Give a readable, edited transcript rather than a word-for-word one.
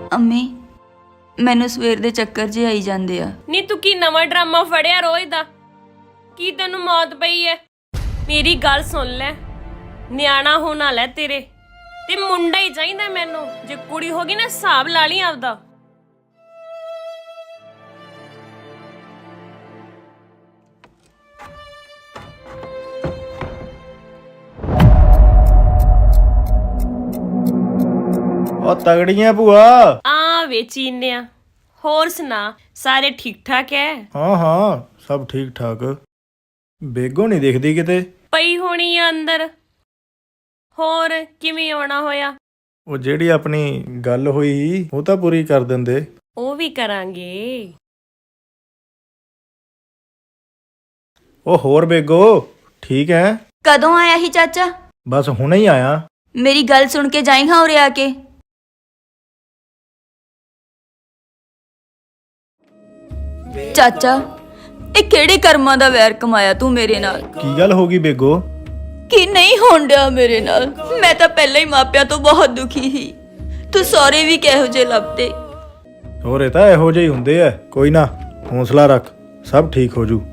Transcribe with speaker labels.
Speaker 1: ਅੰਮੀ ਮੈਨੂੰ ਸਵੇਰ ਦੇ ਚੱਕਰ ਜੇ ਆਈ ਜਾਂਦੇ ਆ।
Speaker 2: ਨੀ ਤੂੰ ਕੀ ਨਵਾਂ ਡਰਾਮਾ ਫੜਿਆ ਰੋਜ਼ ਦਾ? ਕੀ ਤੈਨੂੰ ਮੌਤ ਪਈ ਐ? ਮੇਰੀ ਗੱਲ ਸੁਣ ਲੈ, ਨਿਆਣਾ ਹੋਣ ਵਾਲਾ ਤੇਰੇ ਤੇ ਮੁੰਡਾ ਹੀ ਚਾਹੀਦਾ ਮੈਨੂੰ। ਜੇ ਕੁੜੀ ਹੋ ਗਈ ਨਾ ਹਿਸਾਬ ਲਾ ਲਈ ਆਪਦਾ।
Speaker 3: ਉਹ ਤਗੜੀਆਂ ਭੂਆ।
Speaker 2: ਆ ਵੇਚੀਨਿਆ। ਹੋਰ ਸੁਣਾ, ਸਾਰੇ ਠੀਕ ਠਾਕ ਐ?
Speaker 3: ਹਾਂ ਹਾਂ ਸਭ ਠੀਕ ਠਾਕ। ਬੇਗੋ ਨਹੀਂ ਦਿਖਦੀ ਕਿਤੇ।
Speaker 2: ਪਈ ਹੋਣੀ ਆ ਅੰਦਰ। ਹੋਰ ਕਿਵੇਂ ਆਉਣਾ ਹੋਇਆ?
Speaker 3: ਉਹ ਜਿਹੜੀ ਆਪਣੀ ਗੱਲ ਹੋਈ ਉਹ ਤਾਂ ਪੂਰੀ ਕਰ ਦਿੰਦੇ।
Speaker 2: ਉਹ ਵੀ ਕਰਾਂਗੇ।
Speaker 3: ਉਹ ਹੋਰ ਬੇਗੋ ਠੀਕ ਹੈ?
Speaker 1: ਕਦੋਂ ਆਇਆ ਸੀ ਚਾਚਾ?
Speaker 3: ਬਸ ਹੁਣੇ ਹੀ ਆਇਆ।
Speaker 1: ਮੇਰੀ ਗੱਲ ਸੁਣ ਕੇ ਜਾਈਂ ਹਾਂ ਉਰੇ ਆ ਕੇ। ਚਾਚਾ ਇਹ ਕਿਹੜੇ ਕਰਮਾਂ ਦਾ ਵੈਰ ਕਮਾਇਆ ਤੂੰ ਮੇਰੇ ਨਾਲ?
Speaker 3: ਕੀ ਗੱਲ ਹੋ ਗਈ ਬੇਗੋ?
Speaker 1: ਕੀ ਨਹੀਂ ਹੋਣ ਡਿਆ ਮੇਰੇ ਨਾਲ? ਮੈਂ ਤਾਂ ਪਹਿਲਾਂ ਹੀ ਮਾਪਿਆਂ ਤੋਂ ਬਹੁਤ ਦੁਖੀ ਸੀ। ਤੂੰ ਸਹੁਰੇ ਵੀ ਕਿਹੋ ਜਿਹੇ ਲੱਭਦੇ।
Speaker 3: ਸਹੁਰੇ ਤਾਂ ਇਹੋ ਜਿਹੇ ਹੁੰਦੇ ਆ। ਕੋਈ ਨਾ ਹੌਸਲਾ ਰੱਖ, ਸਭ ਠੀਕ ਹੋ ਜੂ।